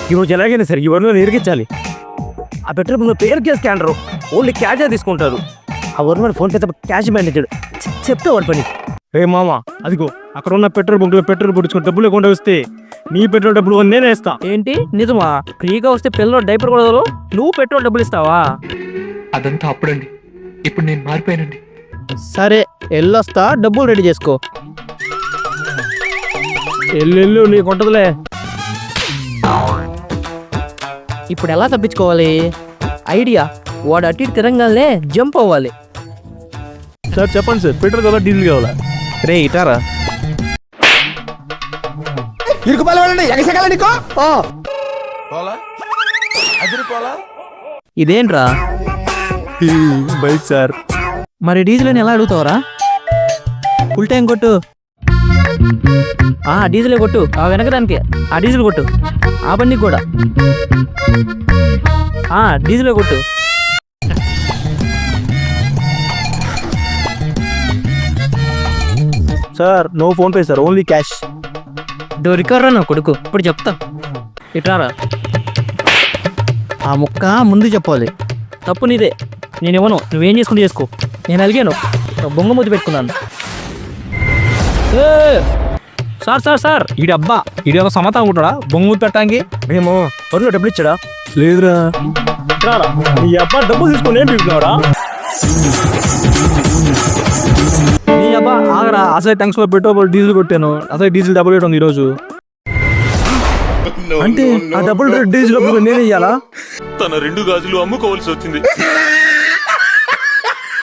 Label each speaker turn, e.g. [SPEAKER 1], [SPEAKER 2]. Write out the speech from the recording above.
[SPEAKER 1] ఈరోజు ఎలాగైనా సరే ఎవరినో నిరిగించాలి. ఆ పెట్రోల్ బంక్ పేరుకే స్కానరు, ఓన్లీ క్యాషే తీసుకుంటారు. ఆ వరుణ ఫోన్ పే తప్ప క్యాష్ మేనేజర్ చెప్తే వాడి పని. రే మామ, అదిగో అక్కడ ఉన్న పెట్రోల్ బంక్లో పెట్రోల్ పొడుచుకుని డబ్బులు లేకుండా వస్తే నీ పెట్రోల్ డబ్బులు నేనే ఇస్తా.
[SPEAKER 2] ఏంటి నిజమా? ఫ్రీగా వస్తే పిల్లలు డైపర్ కూడా నువ్వు పెట్రోల్ డబ్బులు ఇస్తావా?
[SPEAKER 3] అదంతా అప్పుడండి, ఇప్పుడు నేను మారిపోయానండి.
[SPEAKER 2] సరే వెళ్ళొస్తా, డబ్బులు రెడీ చేసుకో.
[SPEAKER 1] ఎల్లు నీకు ఉంటుందిలే.
[SPEAKER 2] ఇప్పుడు ఎలా తప్పించుకోవాలి? ఐడియా, వాడు అటు ఇటు తిరంగానే జంప్ అవ్వాలి.
[SPEAKER 1] సార్ చెప్పండి సార్, పెట్రోల్ కావాలా డీజిల్ కావాలా?
[SPEAKER 2] రే ఇటారా. ఇదేంట్రా?
[SPEAKER 1] Bike sir.
[SPEAKER 2] మరి డీజిల్ అని ఎలా అడుగుతావరా? ఫుల్ టైం కొట్టు. డీజిలే కొట్టు. ఆ వెనకదానికి ఆ డీజిల్ కొట్టు. ఆ బండికి కూడా డీజిలే కొట్టు.
[SPEAKER 1] Sir no PhonePe sir, only cash.
[SPEAKER 2] దొరికర్రా నా కొడుకు, ఇప్పుడు చెప్తా. ఇట్రారా. ఆ ముక్క ముందు చెప్పాలి. తప్పు నీదే, నేను ఇవ్వను. నువ్వేం చేసుకుంటూ చేసుకో. నేను అలిగాను, బొంగ ముద్దు పెట్టుకున్నాను. సార్ సార్ సార్,
[SPEAKER 4] ఈ డబ్బా ఇదేదో సమత అనుకుంటాడా బొంగు పెట్టడానికి?
[SPEAKER 1] మేము వరుణ డబ్బులు ఇచ్చాడా? లేదురా. రారా, నీ అబ్బా డబ్బులు తీసుకొని ఏం పీకుతున్నావురా?
[SPEAKER 4] నీ అబ్బా ఆగరా, అసలు ట్యాంక్స్ లో పెట్రోల్ డీజిల్ కొట్టాను, అసలు డీజిల్ డబ్బులు రేట్ ఉంది ఈరోజు.
[SPEAKER 1] అంటే ఆ డబ్బులు డీజిల్ డబ్బులు నేనే ఇయ్యాలా?
[SPEAKER 5] తన 2 గాజులు అమ్ముకోవాల్సి వచ్చింది.